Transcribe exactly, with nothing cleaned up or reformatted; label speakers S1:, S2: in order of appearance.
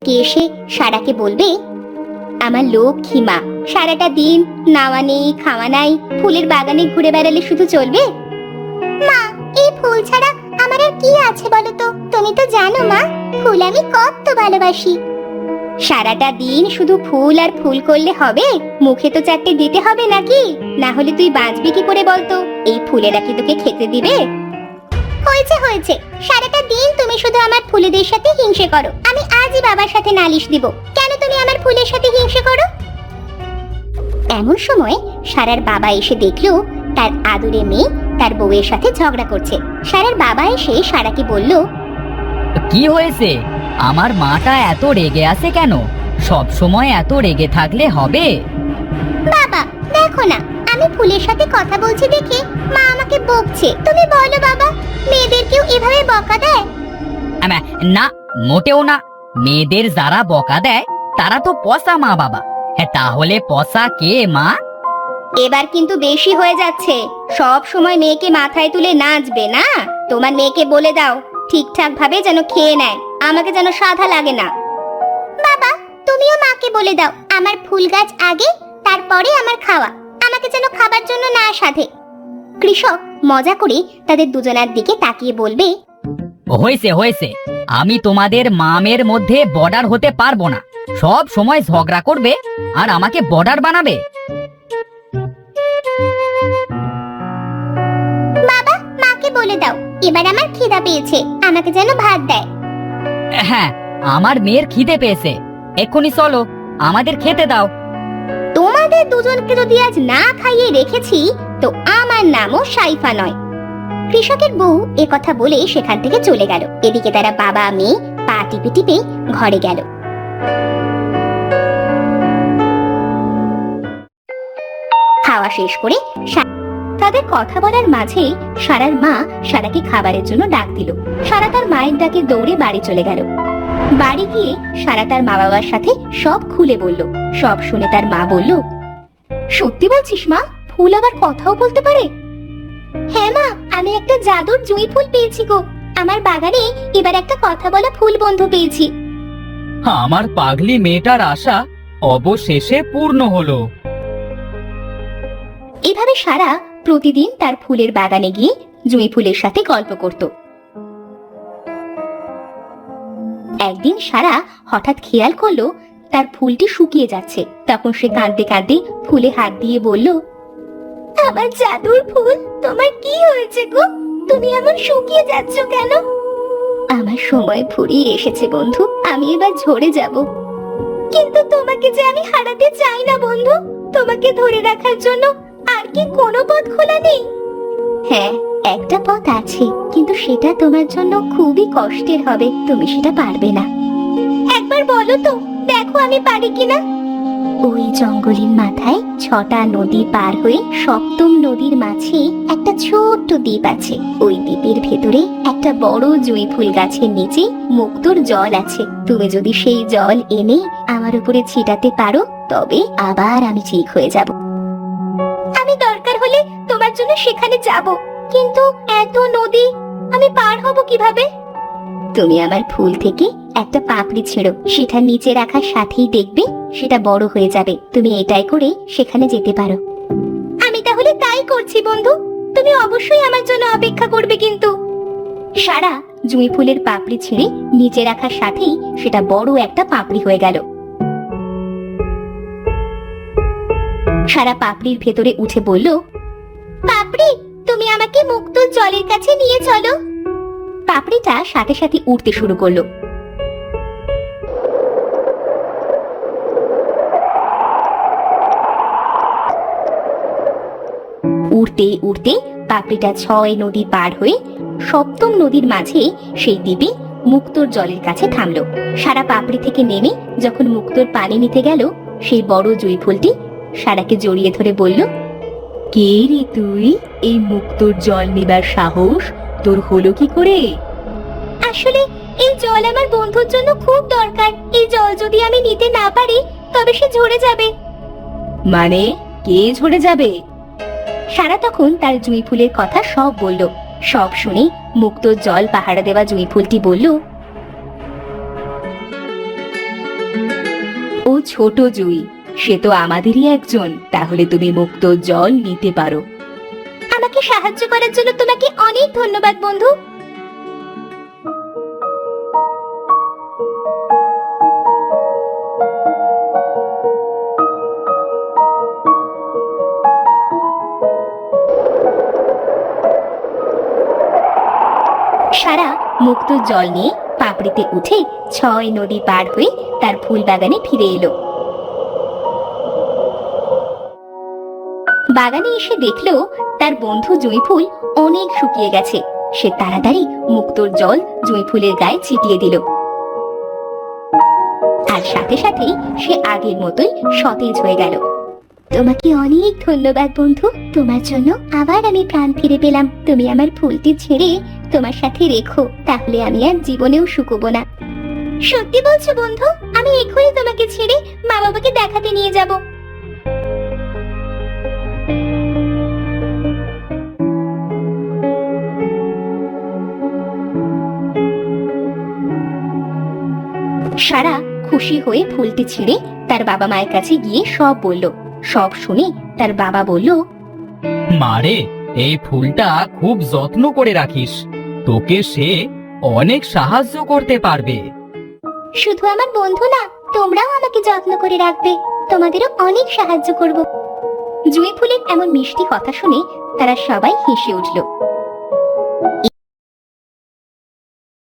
S1: কে এসে সারাকে বলবে, আমার লক্ষ্মী মা সারাটা দিন নাওয়া নেই খাওয়া নাই, ফুলের বাগানে ঘুরে বেড়ালে শুধু চলবে? মা, এই ফুল ছাড়া আমার আর কি আছে বলো তো? তুমি তো জানো মা, ফুল আমি কত ভালোবাসি। সারাটা দিন শুধু ফুল আর ফুল করলে হবে? মুখে তো চারটে দিতে হবে নাকি? না হলে তুই বাঁচবি কি করে বলতো? এই ফুলেরা কি তোকে খেতে দিবে? হয়েছে হয়েছে, সারাটা দিন তুমি শুধু আমার ফুলেদের সাথে হিংসে করো। আমি আজই বাবার সাথে নালিশ দিব। কেন তুমি আমার ফুলের সাথে হিংসে করো? এমন সময় সারার বাবা এসে দেখলো তার আদুরে মেয়ে তার বউয়ের সাথে ঝগড়া করছে। সারার বাবা এসে সারাকে বলল,
S2: কি হয়েছে? আমার মাটা এত রেগে আছে কেন? সব সময় এত রেগে থাকলে হবে?
S1: বাবা দেখো না, আমি ফুলের সাথে কথা বলছি দেখে মা আমাকে বকছে। তুমি বলো বাবা, মেয়েদেরকেও এভাবে বকা দেয়?
S2: না, মোটেও না। মেয়েদের যারা বকা দেয় তারা তো পচা মা বাবা। হ্যাঁ, তাহলে পচা কে মা?
S1: এবার কিন্তু বেশি হয়ে যাচ্ছে। সব সময় মেয়েকে মাথায় তুলে নাচবে না। তোমার মেয়েকে বলে দাও ঠিকঠাক ভাবে যেন খেয়ে নেয়, আমাকে যেন সাধা লাগে না। বাবা তুমিও মাকে বলে দাও আমার ফুল গাছ আগে, তারপরে আমার খাওয়া, আমাকে যেন খাবার জন্য না সাধে। কৃষক মজা করে তাদের দুজনার দিকে তাকিয়ে বলবে,
S2: হয়েছে হয়েছে, আমি তোমাদের মামের মধ্যে বর্ডার হতে পারবো না। সব সময় ঝগড়া করবে আর আমাকে বর্ডার বানাবে।
S1: বাবা মাকে বলে দাও এবার আমার খিদা পেয়েছে, আমাকে যেন ভাত দেয়।
S2: হ্যাঁ, আমার মেয়ের খিদে পেয়েছে, এক্ষুনি চলো আমাদের খেতে দাও।
S1: তোমাদের দুজনকে যদি আজ না খাইয়ে রেখেছি তো আমার নামও সাইফা নয়। কৃষকের বউ এ কথা বলে সেখান থেকে চলে গেল। এদিকে তারা বাবা মেয়ে পা টিপে টিপে ঘরে গেল। খাওয়া শেষ করে তাদের কথা বলার মাঝে সারার মা সারাকে খাবারের জন্য ডাক দিল। সারা তার মায়ের ডাকে দৌড়ে বাড়ি চলে গেল। বাড়ি গিয়ে সারা তার মা বাবার সাথে সব খুলে বলল। সব শুনে তার মা বলল, সত্যি বলছিস মা? ফুল আবার কথাও বলতে পারে? হ্যাঁ মা, আমি একটা জাদুর জুঁই ফুল পেয়েছি গো। আমার বাগানে এবার একটা কথা বলা ফুল বন্ধু পেয়েছি।
S2: আমার পাগলি মেয়েটার আশা অবশেষে পূর্ণ হলো।
S1: এভাবে সারা প্রতিদিন তার ফুলের বাগানে গিয়ে জুঁই ফুলের সাথে গল্প করত। একদিন সারা হঠাৎ খেয়াল করলো তার ফুলটি শুকিয়ে যাচ্ছে। তখন সে কাঁদতে কাঁদতে ফুলে হাত দিয়ে বলল, আমার জাদুর ফুল, তোমার কি হয়েছে গো? তুমি এমন শুকিয়ে যাচ্ছ কেন? আমার সময় ফুরিয়ে এসেছে বন্ধু, আমি এবার ঝরে যাব। কিন্তু তোমাকে যে আমি হারাতে চাই না বন্ধু। তোমাকে ধরে রাখার জন্য আর কি কোনো পথ খোলা নেই? হ্যাঁ, একটা পথ আছে, কিন্তু সেটা তোমার জন্য খুবই কষ্টের হবে। তুমি সেটা পারবে না। একবার বলো তো, দেখো আমি পারি কিনা। ওই জঙ্গলের মাথায় ছটা নদী পার হয়ে সপ্তম নদীর মাঝে একটা ছোট্ট দ্বীপ আছে। ওই দ্বীপের ভেতরে একটা বড় জুঁই ফুল গাছের নিচে মুক্তোর জল আছে। তুমি যদি সেই জল এনে আমার উপরে ছিটাতে পারো তবে আবার আমি ঠিক হয়ে যাব। আমি দরকার হলে তোমার জন্য সেখানে যাব, কিন্তু এত নদী আমি পার হব কিভাবে? তুমি আমার ফুল থেকে একটা পাপড়ি ছেড়ো, সেটা নিচে রাখার সাথেই দেখবে সেটা বড় হয়ে যাবে। তুমি এটাই করে সেখানে যেতে পারো। আমি তাহলে তাই করছি বন্ধু, তুমি অবশ্যই আমার জন্য অপেক্ষা করবে কিন্তু। সারা জুঁই ফুলের পাপড়ি ছেড়ে নিচে রাখার সাথেই সেটা বড় একটা পাপড়ি হয়ে গেল। সারা পাপড়ির ভেতরে উঠে বলল, পাপড়ি তুমি আমাকে মুক্ত জলের কাছে নিয়ে চলো। পাপড়িটা সাথে সাথে উঠতে শুরু করলো। উড়তে উড়তে পাপড়িটা ছয় নদী পার হয়ে সপ্তম নদীর মাঝে সেই দ্বীপে মুক্তোর জলের কাছে থামলো। সারা পাপড়ি থেকে নেমে যখন মুক্তোর পানি নিতে গেল, সেই বড় জুঁই ফুলটি সারাকে জড়িয়ে ধরে বলল, কে রে তুই? এই মুক্তোর জল নেবার সাহস তোর হলো কি করে? আসলে এই জল আমার বন্ধুর জন্য খুব দরকার। এই জল যদি আমি নিতে না পারি তবে সে ঝরে যাবে। মানে কে ঝরে যাবে? সারা তখন তার জুঁই ফুলের কথা সব বলল। সব শুনে মুক্তোর জল পাহারা দেওয়া জুঁই ফুলটি বলল, ছোট জুই, সে তো আমাদেরই একজন। তাহলে তুমি মুক্ত জল নিতে পারো। আমাকে সাহায্য করার জন্য তোমাকে অনেক ধন্যবাদ বন্ধু। সারা মুক্ত জল নিয়ে পাপড়িতে উঠে ছয় নদী পার হয়ে তার ফুল বাগানে ফিরে এলো। বাগানে এসে দেখলো তার বন্ধু জুঁই ফুল অনেক শুকিয়ে গেছে। সে তাড়াতাড়ি মুক্তোর জল জুঁই ফুলের গায়ে ছিটিয়ে দিল, আর সাথে সাথেই সে আগের মতোই সতেজ হয়ে গেল। তোমাকে অনেক ধন্যবাদ বন্ধু, তোমার জন্য আবার আমি প্রাণ ফিরে পেলাম। তুমি আমার ফুলটি ছেড়ে তোমার সাথে রেখো, তাহলে আমি আর জীবনেও শুকোবো না। সত্যি বলছো বন্ধু? আমি এখনই তোমাকে ছেড়ে মা বাবাকে দেখাতে নিয়ে যাব। সারা খুশি হয়ে ফুলটি ছিঁড়ে তার বাবা মায়ের কাছে গিয়ে সব বলল। সব শুনে তার বাবা বলল,
S2: মারে, এই ফুলটা খুব যত্ন করে রাখিস, তোকে সে অনেক সাহায্য করতে পারবে।
S1: শুধু আমার বন্ধু না, তোমরাও আমাকে যত্ন করে রাখবে, তোমাদেরও অনেক সাহায্য করব। জুঁই ফুলের এমন মিষ্টি কথা শুনে তারা সবাই হেসে উঠল।